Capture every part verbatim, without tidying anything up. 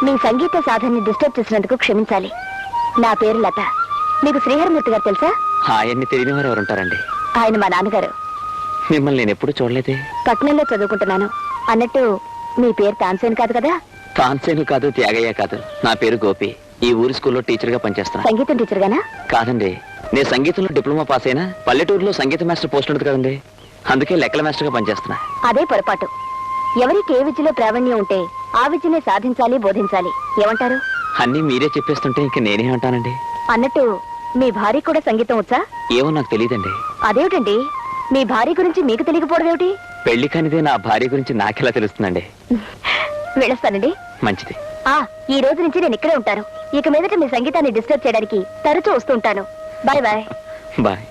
మీ సంగీత సాధనని disturb చేసినందుకు క్షమించాలి. నా పేరు లత. మీకు శ్రీహరిమూర్తి గారు తెలుసా? ఆయన్ని తెలియని వారు ఎవరుంటారండి? ఆయన మా నాన్నగారు. మిమ్మల్ని నేను ఎప్పుడు చూడలేదే. పట్నంలో చదువుకుంటున్నాను. అన్నట్టు మీ పేరు తాన్సేన్ కాదు కదా? తాన్సేను కాదు, త్యాగయ్య కాదు. నా పేరు గోపి. ఈ ఊరి స్కూల్లో టీచర్ గా పనిచేస్తున్నా. సంగీతం టీచర్ గానా? కాదండి, నేను సంగీతంలో డిప్లొమా పాస్ అయినా పల్లెటూరులో సంగీత మాస్టర్ పోస్ట్ ఉంటుంది కదండి, అందుకే లెక్కల మాస్టర్ గా పనిచేస్తున్నా. అదే పొరపాటు. ఎవరికి ఏ విద్యలో ప్రావీణ్యం ఉంటే ఆ విద్యనే సాధించాలి, బోధించాలి. ఏమంటారు? అన్నీ మీరే చెప్పేస్తుంటే ఇంక నేనే అంటానండి. అన్నట్టు మీ భార్య కూడా సంగీతం వచ్చా? ఏమో నాకు తెలియదండి. అదేమిటండి, మీ భార్య గురించి మీకు తెలియకపోవడం ఏమిటి? పెళ్లి కానిదే నా భార్య గురించి నాకెలా తెలుస్తుందండి? వెళ్ళొస్తానండి. మంచిది. ఆ ఈ రోజు నుంచి నేను ఇక్కడే ఉంటాను. ఇక మీదట మీ సంగీతాన్ని డిస్టర్బ్ చేయడానికి తరచూ వస్తూ ఉంటాను. Bye bye. బాయ్.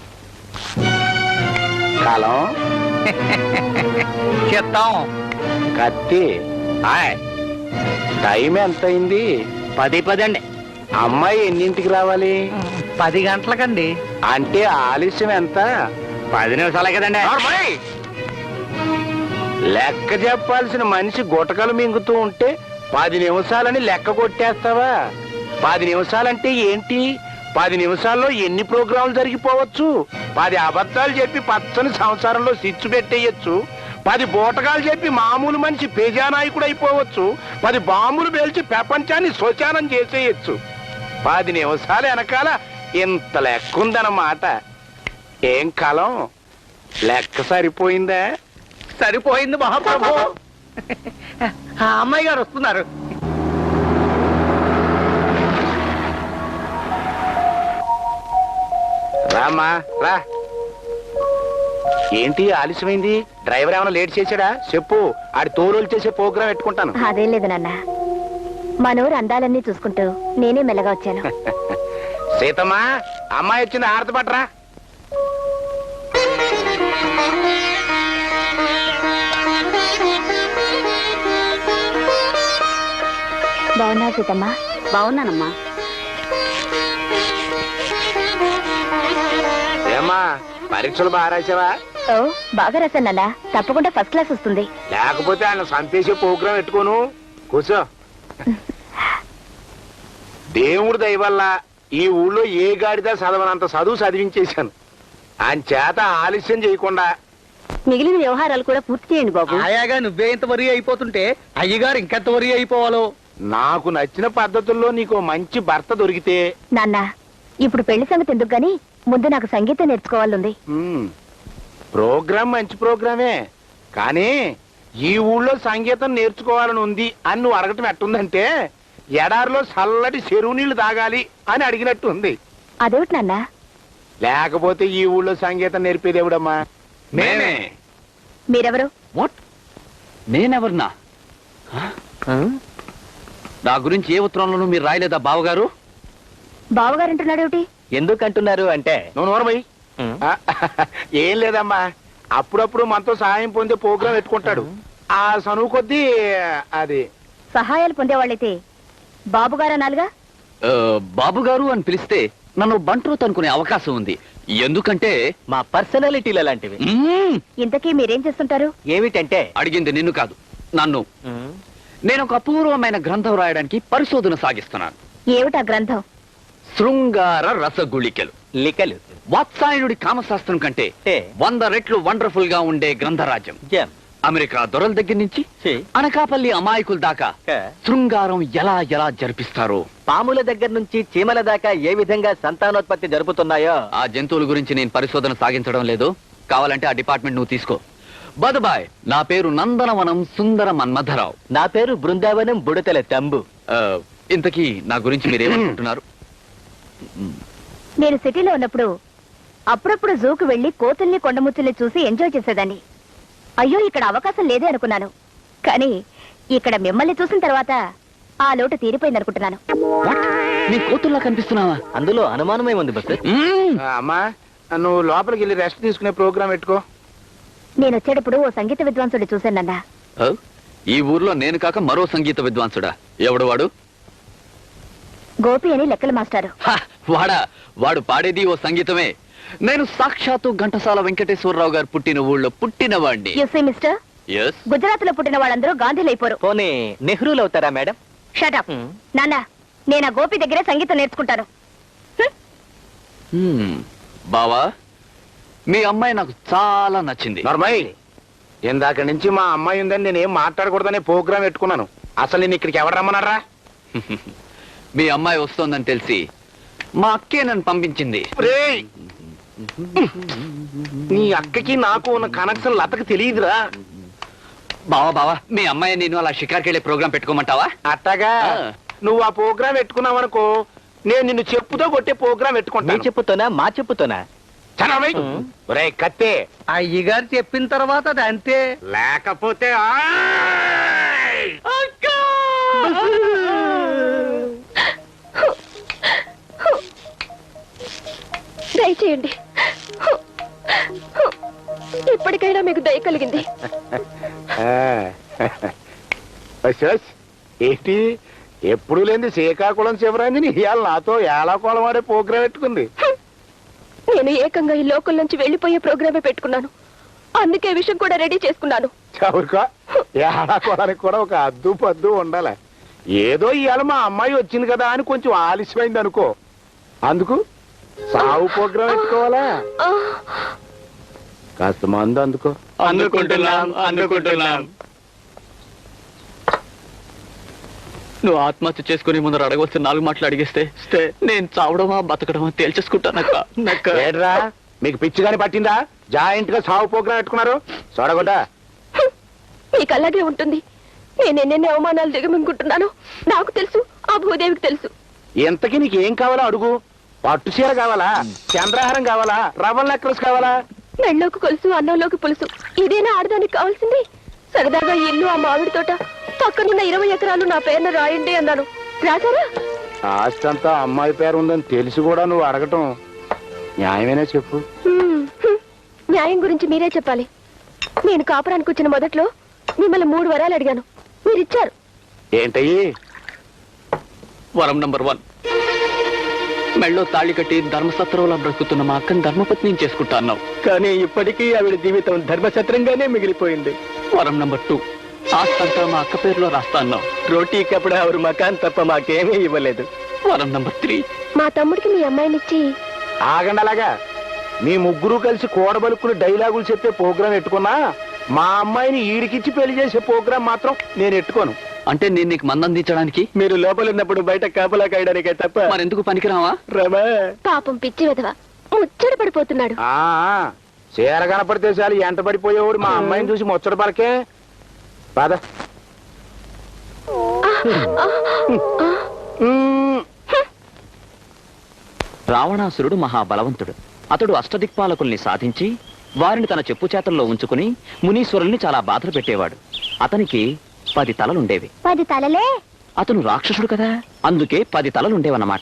కాలం చెప్తాం. కత్తి టైం ఎంత అయింది? పది పది అండి. అమ్మాయి ఎన్నింటికి రావాలి? పది గంటలకండి. అంటే ఆలస్యం ఎంత? పది నిమిషాలే కదండి. లెక్క చెప్పాల్సిన మనిషి గుటకలు మింగుతూ ఉంటే పది నిమిషాలని లెక్క కొట్టేస్తావా? పది నిమిషాలంటే ఏంటి? పది నిమిషాల్లో ఎన్ని ప్రోగ్రాంలు జరిగిపోవచ్చు. పది అబద్ధాలు చెప్పి పచ్చని సంసారంలో సిచ్చు పెట్టేయచ్చు. పది బూటకాలు చెప్పి మామూలు మనిషి పేజానాయకుడు అయిపోవచ్చు. పది బాంబులు పేల్చి ప్రపంచాన్ని శోచానం చేసేయచ్చు. పది నిమిషాలు వెనకాల ఇంత లెక్క ఉందన్నమాట. ఏం కాలం, లెక్క సరిపోయిందా? సరిపోయింది మహాప్రభు. ఆ అమ్మాయి గారు వస్తున్నారు. రామ్మా రా. ఏంటి ఆలస్యమైంది? డ్రైవర్ ఏమైనా లేట్ చేశాడా చెప్పు, ఆడి తోలు చేసే ప్రోగ్రాం పెట్టుకుంటాను. అదేం లేదు నాన్న, మా నోరు అందాలన్నీ చూసుకుంటూ నేనే మెల్లగా వచ్చాను. సీతమ్మా, అమ్మాయి వచ్చింది, ఆరతి పట్టరా. బాగున్నా సీతమ్మా? బాగున్నానమ్మా. ఏమ్మా, పరీక్షలు బాగా రాసావా? ఓ బాగా రాశాను నాన్న, తప్పకుండా ఫస్ట్ క్లాస్ వస్తుంది. లేకపోతే ఆయన సంపేసే ప్రోగ్రాం పెట్టుకోను. కూర్చో. దేవుడి దయ వల్ల ఈ ఊళ్ళో ఏ గాడిదా చదవనంత చదువు చదివించేశాను. ఆయన చేత ఆలస్యం చేయకుండా మిగిలిన వ్యవహారాలు కూడా పూర్తి చేయండి బాబు. ఆయాగా నువ్వే ఇంత వరి అయిపోతుంటే అయ్యగారు ఇంకెంత వరి అయిపోవాలో. నాకు నచ్చిన పద్ధతుల్లో నీకు మంచి భర్త దొరికితే. నాన్న, ఇప్పుడు పెళ్లి సంగతి ఎందుకు గాని ముందు నాకు సంగీతం నేర్చుకోవాలంది. ఉమ్, ప్రోగ్రాం మంచి ప్రోగ్రామే, కానీ ఈ ఊళ్ళో సంగీతం నేర్చుకోవాలని ఉంది అని నువ్వు అడగటం ఎట్టుందంటే ఎడారిలో చల్లటి చెరువు నీళ్లు తాగాలి అని అడిగినట్టు ఉంది. అదేమిటి నాన్న? లేకపోతే ఈ ఊళ్ళో సంగీతం నేర్పేదేవుడమ్మా మేమే. మీరెవరు? వాట్? నేనెవరినా? నా గురించి ఏ ఉత్తరంలోనూ మీరు రాయలేదా బావగారు? బావగారంటున్నాడేమిటి? ఎందుకంటున్నారు అంటే, నువ్వు నోరమయ్యి. ఏం లేదమ్మా, అప్పుడప్పుడు మనతో సహాయం పొందే ప్రోగ్రాం పెట్టుకుంటాడు. ఆ చనువు కొద్దీ అది. సహాయాలు పొందేవాళ్ళైతే బాబుగారా నాలుగా? బాబుగారు అని పిలిస్తే నన్ను బంట్రోత్ అనుకునే అవకాశం ఉంది. ఎందుకంటే మా పర్సనాలిటీలు అలాంటివి. మ్మ్, ఇంతకీ మీరేం చేస్తుంటారు? ఏమిటంటే, అడిగింది నిన్ను కాదు, నన్ను. నేను ఒక అపూర్వమైన గ్రంథం రాయడానికి పరిశోధన సాగిస్తున్నాను. ఏమిటా గ్రంథం? శృంగార రసగుళికలు. లికలు. వాత్సాయనుడి కామశాస్త్రం కంటే ఏ. వంద రెట్లు వండర్ఫుల్ గా ఉండే గ్రంథరాజ్యం. జం. అమెరికా దొరల దగ్గర నుంచి ఛీ. అనకాపల్లి అమాయకుల దాకా క. శృంగారం ఎలా ఎలా జరిపిస్తారో, పాముల దగ్గర నుంచి చీమల దాకా ఏ విధంగా సంతానోత్పత్తి జరుపుతున్నాయో. ఆ జంతువుల గురించి నేను పరిశోధన సాగించడం లేదు. కావాలంటే ఆ డిపార్ట్మెంట్ నువ్వు తీసుకో. బదుబాయ్, నా పేరు నందనవనం సుందర మన్మధరావు. నా పేరు బృందావనం బుడతల తంబు. ఆ, ఇంతకీ నా గురించి మీరేమనుకుంటున్నారు? నేను సిటీలో ఉన్నప్పుడు అప్పుడప్పుడు జూకు వెళ్లి కోతుల్ని కొండముచ్చుల్ని చూసి ఎంజాయ్ చేసేదాన్ని. అయ్యో, ఇక్కడ అవకాశం లేదే అనుకున్నాను. కానీ ఇక్కడ మిమ్మల్ని చూసిన తర్వాత ఆ లోటు తీరిపోయింది అనుకుంటున్నాను. నీ కోతుల్లా కనిపిస్తున్నావా? అందులో అనుమానమే ఉంది బస్. అమ్మా, నువ్వు లోపలికి వెళ్ళి రెస్ట్ తీసుకునే ప్రోగ్రాం పెట్టుకో. నేను వచ్చేటప్పుడు ఓ సంగీత విద్వాంసుడు చూశానన్నా. ఈ ఊర్లో నేను కాక మరో సంగీత విద్వాంసుడా? ఎవడు వాడు? గోపి అని లెక్కల మాస్టారు. హ, వాడా? వాడు పాడేది ఓ సంగీతమే. నేను సాక్షాత్తు ఘంటసాల వెంకటేశ్వరరావు గారు పుట్టిన ఊళ్ళో పుట్టినవాడిని. You see mister, yes. Gujarat లో పుట్టిన వాళ్ళందరూ గాంధీలు అయిపోరు. పోనీ నెహ్రూలు అవుతారా మేడం? షటప్ నాన్న నేను ఆ గోపి దగ్గరే సంగీతం నేర్చుకుంటాను. హ్మ్. బావా మీ అమ్మాయి నాకు చాలా నచ్చింది. నర్మయ్, ఇందాక నుంచి మా అమ్మాయి ఉందని నేనేం మాట్లాడకూడదనే ప్రోగ్రామ్ పెట్టుకున్నాను. అసలు నేను ఇక్కడికి ఎవరు రమ్మన్నారా? మీ అమ్మాయి వస్తోందని తెలిసి మా అక్కే నన్ను పంపించింది. రేయ్, నీ అక్కకి నాకు ఉన్న కనెక్షన్ లతకి తెలియదురా. బావా బావా మీ అమ్మాయి నేను అలా షికార్కి వెళ్ళే ప్రోగ్రామ్ పెట్టుకోమంటావా? అట్టగా ఆ. నువ్వు ఆ ప్రోగ్రామ్ పెట్టుకున్నావు అనుకో, నేను నిన్ను చెప్పుతో కొట్టే ప్రోగ్రామ్ మీ పెట్టుకుంటాను. చెప్పుతోనా మా చెప్పుతోనా? చనవై. ఒరేయ్ కత్తే, అయ్యగారు చెప్పిన తర్వాత అది అంతే. లేకపోతే ఆయ్! దయచేయండి, ఇప్పటికైనా మీకు దయ కలిగింది. ఆ. వస్ వస్. ఏంటి ఎప్పుడు లేని శ్రీకాకుళం శివరాంజని ఇవాళ నాతో ఏలాకోళం ఆడే ప్రోగ్రాం పెట్టుకుంది. నేను ఏకంగా ఈ లోకల్ నుంచి వెళ్లిపోయే ప్రోగ్రామే పెట్టుకున్నాను. అందుకే విషయం కూడా రెడీ చేసుకున్నాను. చవురుకో, ఏలాకోళానికి కూడా ఒక అద్దు పద్దు ఉండాలి. ఏదో ఇవాళ మా అమ్మాయి వచ్చింది కదా అని కొంచెం ఆలస్యమైంది అనుకో, అందుకు సాగు ప్రోగ్రాం పెట్టుకోవాలా? కాస్త మందు అందుకో. అందుకుంటున్నాం అందుకుంటున్నాం. నువ్వు ఆత్మహత్య చేసుకుని ముందర అడగవలసిన నాలుగు మాటలు అడిగేస్తే స్తే, నేను చావడమా బతకడమా తేల్చేసుకుంటానక్క. నక్క ఏడ్రా, మీకు పిచ్చి గాని పట్టిందా? జాయింట్ గా సాగు ప్రోగ్రాం పెట్టుకున్నారు చూడగొడ్డా. మీకు అలాగే ఉంటుంది. నేను ఎన్నెన్ని అవమానాలు దిగమింగుంటున్నాను నాకు తెలుసు, ఆ భూదేవికి తెలుసు. ఇంతకీ నీకు ఏం కావాలో అడుగు. పట్టు చీర కావాలా, చంద్రహారం కావాలా, రవ్వల్ నెక్లెస్ కావాలా? మెళ్ళలోకి కొలుసు, అన్నంలోకి పులుసు, ఇదేనా ఆడదానికి కావాల్సింది? సరదాగా ఈ ఇల్లు, ఆ మామిడి తోట, పక్కనున్న ఇరవై ఎకరాలు నా పేరున రాయండి అన్నాను. రాశారా? ఆస్తి అంతా అమ్మాయి పేరు ఉందని తెలిసి కూడా నువ్వు అడగటం న్యాయమేనా చెప్పు. హ్మ్, హ్మ్. న్యాయం గురించి మీరే చెప్పాలి. నేను కాపురానికి వచ్చిన మొదట్లో మిమ్మల్ని మూడు వరాలు అడిగాను, మీరు ఇచ్చారు. ఏంటయ్యి? వరం నంబర్ వన్, మెళ్ళో తాళి కట్టి ధర్మసత్రంలో బ్రతుకుతున్న మా అక్కని ధర్మపత్ని చేసుకుంటా అన్నావు. కానీ ఇప్పటికీ ఆవిడ జీవితం ధర్మఛత్రంగానే మిగిలిపోయింది. వరం నంబర్ టూ, ఆస్తంతా మా అక్క పేరులో రాస్తా అన్నావు. రోటీ కప్పుడు ఆవిడ మకాన్ తప్ప మాకేమీ ఇవ్వలేదు. వరం నంబర్ త్రీ, మా తమ్ముడికి మీ అమ్మాయినిచ్చి ఆగండి అలాగా. మీ ముగ్గురు కలిసి కూడబలుక్కుని డైలాగులు చెప్పే ప్రోగ్రాం పెట్టుకున్నా, మా అమ్మాయిని ఈడికిచ్చి పెళ్లి చేసే ప్రోగ్రాం మాత్రం నేను ఎట్టుకోను. అంటే నేను నీకు మందందించడానికి, మీరు లోపల ఉన్నప్పుడు బయట కాపలా కాయడానికే తప్ప మరెందుకు పనికిరావా? రమా పాపం పిచ్చి విధవ ముచ్చట పడిపోతున్నాడు. ఆ చీర కనపడితే చాలు ఎంట పడిపోయేవాడు మా అమ్మాయిని చూసి ముచ్చట పలకే. పద. మ్మ్. రావణాసురుడు మహాబలవంతుడు. అతడు అష్టదిక్పాలకుల్ని సాధించి వారిని తన చెప్పు చేతల్లో ఉంచుకుని మునీశ్వరుల్ని చాలా బాధలు పెట్టేవాడు. అతనికి పది తలలుండేవి. పది తలలే? అతను రాక్షసుడు కదా, అందుకే పది తలలుండేవన్నమాట.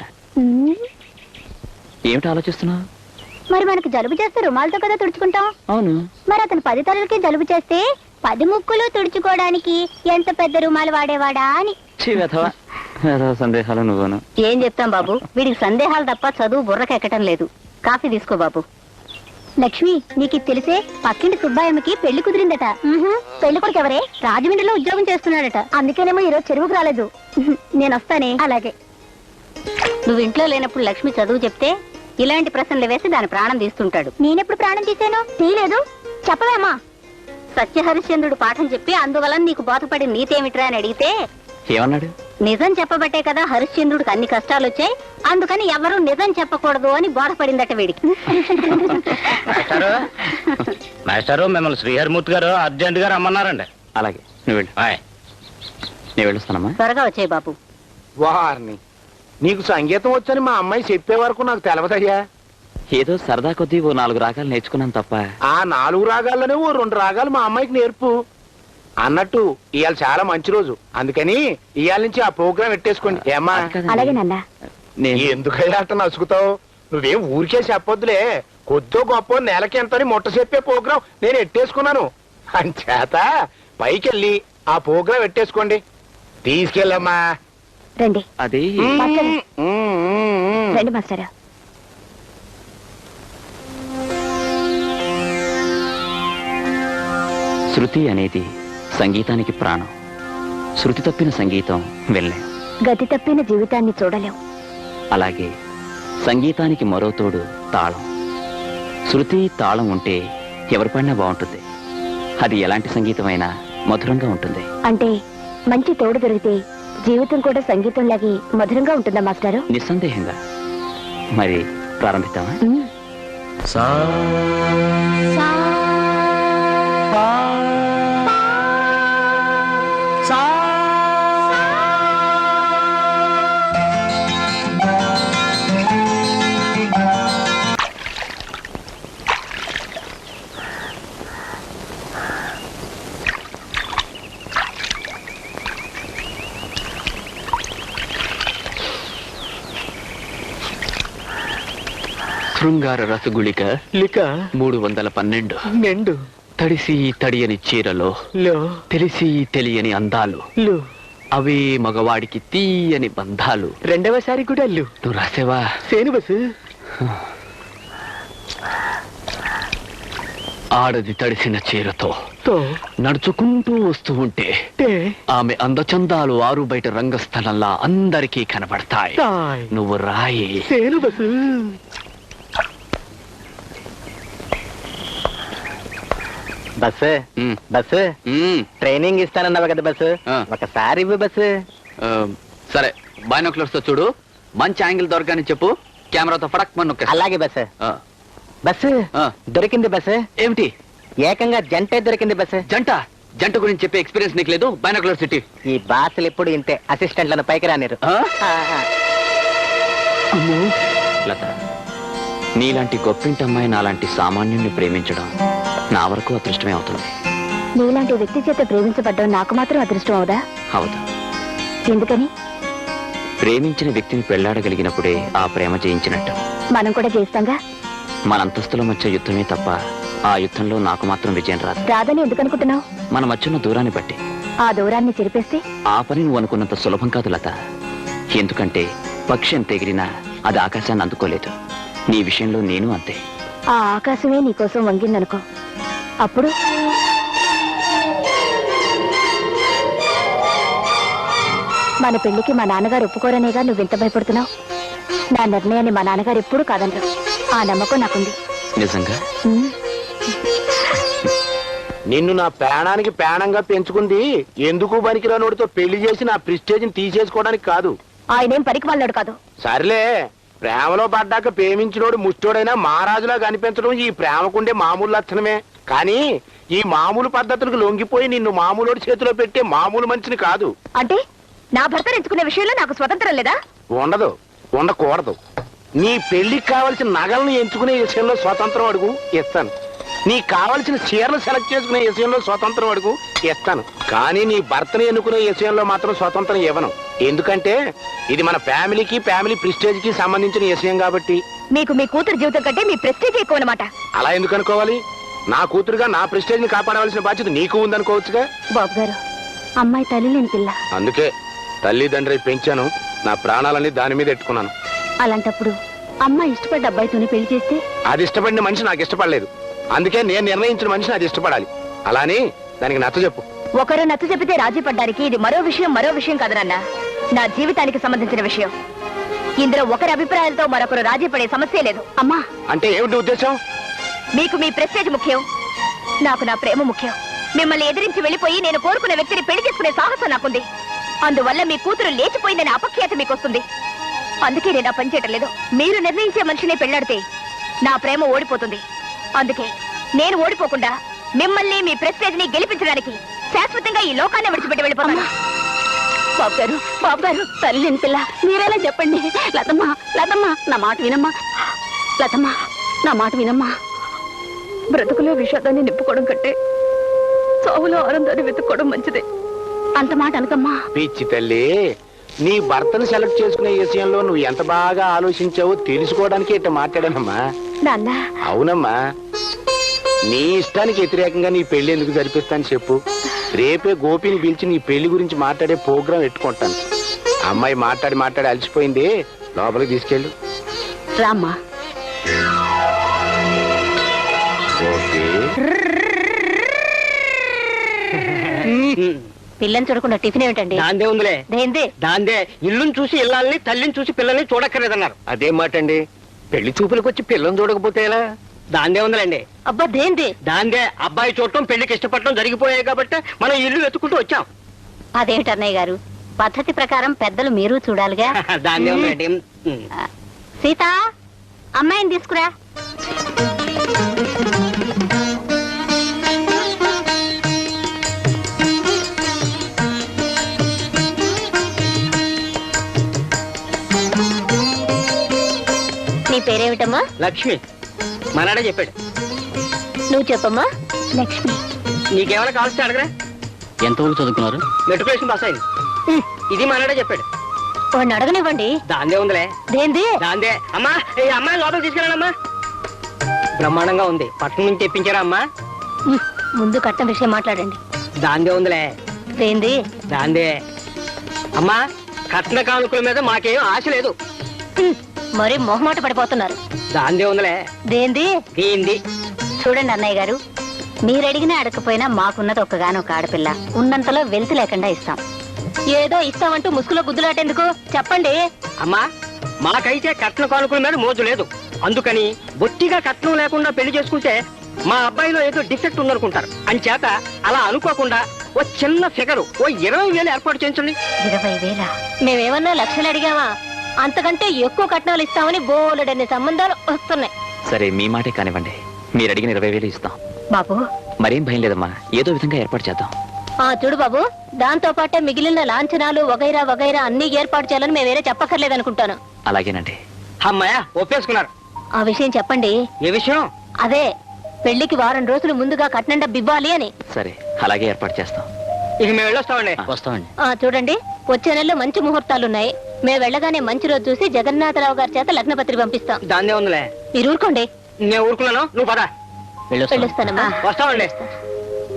ఏమిటి ఆలోచిస్తున్నావు? మరి మనకి జలుబు చేస్తే రుమాలతో కదా తుడుచుకుంటాం. అవును. మరి అతను పది తలలకి జలుబు చేస్తే పది ముక్కులు తుడుచుకోవడానికి ఎంత పెద్ద రుమాలు వాడేవాడా అని. ఛీ, వెధవా. వెధవ సందేహాలు నువ్వును. ఏం చెప్తాం బాబు, వీడికి సందేహాలు తప్ప చదువు బుర్రకెక్కటం లేదు. కాఫీ తీసుకో బాబు. లక్ష్మి, నీకు ఇది తెలిసే పక్కింటి సుబ్బాయమ్మకి పెళ్లి కుదిరిందట. పెళ్లి కొడుకు ఎవరే? రాజమండ్రిలో ఉద్యోగం చేస్తున్నాడట. అందుకేనేమో ఈరోజు చెరువుకు రాలేదు. నేను వస్తానే. అలాగే. నువ్వు ఇంట్లో లేనప్పుడు లక్ష్మి చదువు చెప్తే ఇలాంటి ప్రశ్నలు వేసి దాని ప్రాణం తీస్తుంటాడు. నేనెప్పుడు ప్రాణం తీసాను? తీయలేదు. చెప్పవేమా? సత్యహరిశ్చంద్రుడు పాఠం చెప్పి అందువలన నీకు బోధపడి నీతేమిట్రా అని అడిగితే ఏమన్నాడు? నిజం చెప్పబట్టే కదా హరిశ్చంద్రుడికి అన్ని కష్టాలు వచ్చాయి, అందుకని ఎవరూ నిజం చెప్పకూడదు అని బోధపడిందట వీడికి. మాస్టారు, మిమ్మల్ని శ్రీహరిమూర్తి గారు అర్జెంట్ గా రమ్మన్నారండి. అలాగే, నువ్వు వెళ్ళు. నేను వెళ్ళొస్తానమ్మా. త్వరగా వచ్చాయి బాబు. వారిని నీకు సంగీతం వచ్చని మా అమ్మాయి చెప్పే వరకు నాకు తెలవదయ్యా. ఏదో సరదా కొద్దీ ఓ నాలుగు రాగాలు నేర్చుకున్నాను తప్ప. ఆ నాలుగు రాగాల్లోనే ఓ రెండు రాగాలు మా అమ్మాయికి నేర్పు. అన్నట్టు ఇవాళ చాలా మంచి రోజు, అందుకని ఇవాళ నుంచి ఆ ప్రోగ్రాం పెట్టేసుకోండి. ఏమ్మా? అలాగే నాన్న. నేను ఎందుకయ్యా అట్ట నసుకుతావు? నువ్వేం ఊరికే చెప్పొద్దులే. కొద్దో గొప్ప నెలకి ఎంతని ముట్ట చెప్పే ప్రోగ్రాం నేను ఎట్టేసుకున్నాను. అంచేత పైకెళ్ళి ఆ ప్రోగ్రాం పెట్టేసుకోండి. తీసుకెళ్ళమ్మా. రండి అది మాస్టర్. ఉమ్, ఉమ్, ఉమ్. రండి మాస్టర్. శృతి అనేది సంగీతానికి ప్రాణం. శృతి తప్పిన సంగీతం వెళ్ళే. గతి తప్పిన జీవితాన్ని చూడలేం. అలాగే సంగీతానికి మరో తోడు తాళం. శృతి తాళం ఉంటే ఎవరి పడినా బాగుంటుంది. అది ఎలాంటి సంగీతమైనా మధురంగా ఉంటుంది. అంటే మంచి తోడు దొరికితే జీవితం కూడా సంగీతంలాగే మధురంగా ఉంటుందా మాస్టారు? నిస్సందేహంగా. మరి ప్రారంభిద్దామా? ఉమ్. శృంగార రసగుళిక లిక మూడు వందల పన్నెండు. నిండు తడిసి తడియని చీరలో లో తెలిసి తెలియని అందాలు, లు అవే మగవాడికి తీయని బంధాలు. రెండవసారి కూడా అల్లు నువ్వు రాసేవా? సేను బస్సు ఆడది తడిసిన చీరతో తో నడుచుకుంటూ వస్తూ ఉంటే టే ఆమె అందచందాలు ఆరు బయట రంగస్థలంలా అందరికీ కనబడతాయి. తాయ్ నువ్వు రాయి. సేను bus bus um, bus um, training ఇస్తానన్నావు కదా బస్సు. ఆ. ఒకసారి ఇవ్వు బస్సు. ఆ, సరే బైనాక్యులర్స్ తో చూడు. మంచి యాంగిల్ దొరకని చెప్పు. కెమెరాతో ఫడక్ మన నొక్కేస్తా. అలాగే బస్సు. ఆ, బస్సు ఆ. దొరికింది బస్సు. ఏమిటి ఏకంగా జంటే దొరికింది బస్సు. జంట? జంట గురించి చెప్పే ఎక్స్పీరియన్స్ నీకు లేదు? Binocular city. ఈ బాసులు ఎప్పుడు ఇంతే, అసిస్టెంట్లను పైకి రానిరు. ఆ, ఆ. లత, నీలాంటి గొప్పింటి అమ్మాయి నాలాంటి సామాన్యుణ్ణి ప్రేమించడం నా వరకు అదృష్టమే అవుతుంది. నీలాంటి వ్యక్తి చేత ప్రేమించబడ్డం నాకు మాత్రం అదృష్టం అవుదా? అవును. ఎందుకని? ప్రేమించిన వ్యక్తిని పెళ్లాడగలిగినప్పుడే ఆ ప్రేమ జయించినట్టు. మనం కూడా చేస్తాంగా. మన అంతస్తుల మధ్య యుద్ధమే తప్ప ఆ యుద్ధంలో నాకు మాత్రం విజయం రాదు. రాదని ఎందుకు అనుకుంటున్నావు? మన మధ్యన దూరాన్ని బట్టి. ఆ దూరాన్ని చెరిపేస్తే ఆ పని నువ్వు అనుకున్నంత సులభం కాదు లత. ఎందుకంటే పక్షి ఎంత ఎగిరినా అది ఆకాశాన్ని అందుకోలేదు. నీ విషయంలో నేను అంతే. ఆ ఆకాశమే నీకోసం వంగిందనుకో, అప్పుడు మన పెళ్లికి మా నాన్నగారు ఒప్పుకోరనేగా నువ్వు ఇంత భయపడుతున్నావు. నా నిర్ణయాన్ని మా నాన్నగారు ఎప్పుడూ కాదనరు. ఆ నమ్మకం నాకుంది. నిజంగా? ఉమ్. నిన్ను నా ప్రాణానికి ప్రాణంగా పెంచుకుంది ఎందుకు పనికిరానోడితో పెళ్లి చేసి నా ప్రిస్టేజ్ని తీసేసుకోవడానికి కాదు. ఆయనేం పనికి వాళ్ళాడు కాదు. సర్లే, ప్రేమలో పడ్డాక ప్రేమించినోడు ముష్టోడైనా మహారాజులా కనిపించడం ఈ ప్రేమకుండే మామూలు లక్షణమే. కానీ ఈ మామూలు పద్ధతులకు లొంగిపోయి నిన్ను మామూలోడి చేతిలో పెట్టే మామూలు మనిషిని కాదు. అంటే నా భర్త ఎంచుకునే విషయంలో నాకు స్వతంత్రం లేదా? ఉండదు, ఉండకూడదు. నీ పెళ్లికి కావలసిన నగలను ఎంచుకునే విషయంలో స్వతంత్రం అడుగు, ఇస్తాను. నీకు కావలసిన చీరలు సెలెక్ట్ చేసుకునే విషయంలో స్వతంత్రం అడుగు, ఇస్తాను. కానీ నీ భర్తని ఎన్నుకునే విషయంలో మాత్రం స్వతంత్రం ఇవ్వను. ఎందుకంటే ఇది మన ఫ్యామిలీకి ఫ్యామిలీ ప్రిస్టేజ్ కి సంబంధించిన విషయం కాబట్టి. మీకు మీ కూతురు జీవితం కంటే మీ ప్రెస్టేజ్ ఎక్కువ అన్నమాట. అలా ఎందుకు అనుకోవాలి? నా కూతురుగా నా ప్రెస్టేజ్ ని కాపాడవలసిన బాధ్యత నీకు ఉందనుకోవచ్చుగా. బాబు గారు, అమ్మాయి తల్లి లేని పిల్ల. అందుకే తల్లిదండ్రి పెంచాను, నా ప్రాణాలన్నీ దాని మీద ఎట్టుకున్నాను. అలాంటప్పుడు అమ్మాయి ఇష్టపడ్డ అబ్బాయితోనే పెళ్లి చేస్తే? అది ఇష్టపడిన మనిషి నాకు ఇష్టపడలేదు. అందుకే నేను నిర్ణయించిన మనిషిని అది ఇష్టపడాలి. అలానే దానికి నచ్చ చెప్పు. ఒకరు నచ్చ చెప్పితే రాజీ పడ్డానికి ఇది మరో విషయం మరో విషయం కాదనన్న, నా జీవితానికి సంబంధించిన విషయం. ఇందులో ఒకరి అభిప్రాయాలతో మరొకరు రాజీ పడే సమస్య లేదు. అమ్మా, అంటే ఏమిటి ఉద్దేశం? మీకు మీ ప్రెస్టేజ్ ముఖ్యం, నాకు నా ప్రేమ ముఖ్యం. మిమ్మల్ని ఎదిరించి వెళ్ళిపోయి నేను కోరుకున్న వ్యక్తిని పెళ్లి చేసుకునే సాహసం నాకుంది. అందువల్ల మీ కూతురు లేచిపోయిందనే అపఖ్యాతి మీకు వస్తుంది. అందుకే నేను ఆ పని చేయటం లేదు. మీరు నిర్ణయించే మనిషినే పెళ్లాడితే నా ప్రేమ ఓడిపోతుంది. అందుకే నేను ఓడిపోకుండా మిమ్మల్ని మీ ప్రెస్టేజ్ ని గెలిపించడానికి శాశ్వతంగా ఈ లోకాన్ని విడిచిపెట్టి వెళ్ళిపోతాను. బాబు గారు, బాబు గారు, తల్లి పిల్ల మీరేలా చెప్పండి. లతమ్మ, లతమ్మ, నా మాట వినమ్మా. లతమ్మ, నా మాట వినమ్మా. బ్రతుకులో విషాదాన్ని నింపుకోవడం కంటే చావులో ఆనందాన్ని వెతుక్కోవడం మంచిదే. అంత మాట అనకమ్మా. పిచ్చి తల్లి, నీ భర్తను సెలెక్ట్ చేసుకునే విషయంలో నువ్వు ఎంత బాగా ఆలోచించావో తెలుసుకోవడానికి ఇట్ట మాట్లాడానమ్మా. నాన్న, అవునమ్మా, నీ ఇష్టానికి వ్యతిరేకంగా నీ పెళ్లి ఎందుకు జరిపిస్తాను చెప్పు. రేపే గోపిని పిలిచి నీ పెళ్లి గురించి మాట్లాడే ప్రోగ్రాం పెట్టుకుంటాను. అమ్మాయి మాట్లాడి మాట్లాడి అలసిపోయింది, లోపలికి తీసుకెళ్ళు. రామ్మా. ఓకే. పిల్లని చూడకుండా టిఫిన్ ఏమిటండి? దాందే ఉందిలే. దేందే? దాందే ఇల్లుని చూసి ఇల్లాలని, తల్లిని చూసి పిల్లల్ని చూడక్కర్లేదన్నారు. అదే మాట అండి. పెళ్లి చూపులకు వచ్చి పిల్లని చూడకపోతే ఎలా? దాందే ఉందిలేండి. అబ్బా దేందే? దాందే అబ్బాయి చూడటం, పెళ్లికి ఇష్టపడటం జరిగిపోయాయి కాబట్టి మనం ఇల్లు వెతుకుంటూ వచ్చాం. అదేమిటి అన్నయ్య గారు, పద్ధతి ప్రకారం పెద్దలు మీరు చూడాలిగా. దాందే ఉందిలేండి. ఉమ్. సీత, అమ్మాయిని తీసుకురా. నీ పేరేమిటమ్మా? లక్ష్మి. మనాడే చెప్పాడు. నువ్వు చెప్పమ్మా. లక్ష్మి. నీకేమైనా కావాల్సి అడగరా? ఎంతవరకు చదువుకున్నారు? మెట్రికులేషన్ పాస్ అయింది. ఇది మనాడే చెప్పాడు. వాడిని అడగనివ్వండి. దాందే ఉందిలే. దేంది? దాందే. అమ్మా, ఈ అమ్మాయి లోపల తీసుకెళ్ళానమ్మా. బ్రహ్మాండంగా ఉంది. పట్నం నుంచి తెప్పించారా అమ్మా? ఉహ్, ముందు కట్నం విషయం మాట్లాడండి. దాందే ఉందిలే. దేంది? దాందే. అమ్మా, కట్న కానుకల మీద మాకేం ఆశ లేదు. ఉహ్, మరి మొహమాట పడిపోతున్నారు. దాందే ఉందిలే. దేంది? ఏంది? చూడండి అన్నయ్య గారు, మీరు అడిగినా అడగకపోయినా మాకున్నది ఒక్కగానొక్క ఆడపిల్ల. ఉన్నంతలో వెలితి లేకుండా ఇస్తాం. ఏదో ఇస్తామంటూ ముసుగులో గుద్దులాటేందుకు చెప్పండి. అమ్మా, మాకైతే కట్న కానుకల మీద మోజు లేదు. అందుకని బొత్తిగా కట్నం లేకుండా పెళ్లి చేసుకుంటే మా అబ్బాయిలో ఏదో డిఫెక్ట్ ఉందనుకుంటారు. అంచేత అలా అనుకోకుండా ఓ చిన్న ఫిగరు ఓ ఇరవై వేలు ఏర్పాటు చేయించండి. ఇరవై వేల? మేమేమన్నా లక్షలు అడిగామా? అంతకంటే ఎక్కువ కట్నాలు ఇస్తామని బోలెడన్ని సంబంధాలు వస్తున్నాయి. సరే, మీ మాటే కానివ్వండి. మీరు అడిగిన ఇరవై వేలు ఇస్తాం. బాబు, మరేం భయం లేదమ్మా, ఏదో విధంగా ఏర్పాటు చేద్దాం. ఆ చూడు బాబు, దాంతో పాటే మిగిలిన లాంఛనాలు వగైరా వగైరా అన్ని ఏర్పాటు చేయాలని మేము వేరే చెప్పక్కర్లేదనుకుంటాను. అలాగేనండి. అమ్మాయ ఒప్పేసుకున్నారు. ఆ విషయం చెప్పండి. ఏ విషయం? అదే, పెళ్లికి వారం రోజులు ముందుగా కట్నం డబ్బు ఇవ్వాలి అని. సరే, అలాగే ఏర్పాటు చేస్తాం. ఇక మేము వెళ్ళొస్తామండి. వస్తామండి. ఆ చూడండి, వచ్చే నెలలో మంచి ముహూర్తాలున్నాయి. మేము వెళ్ళగానే మంచి రోజు చూసి జగన్నాథరావు గారి చేత లగ్నపత్రిక పంపిస్తాం. దాన్నే ఉందిలే. మీరు ఊరుకోండి. నేను ఊరుకున్నాను, నువ్వు పద. వెళ్ళొస్తాం. వెళ్ళొస్తానమ్మా. వస్తామండి.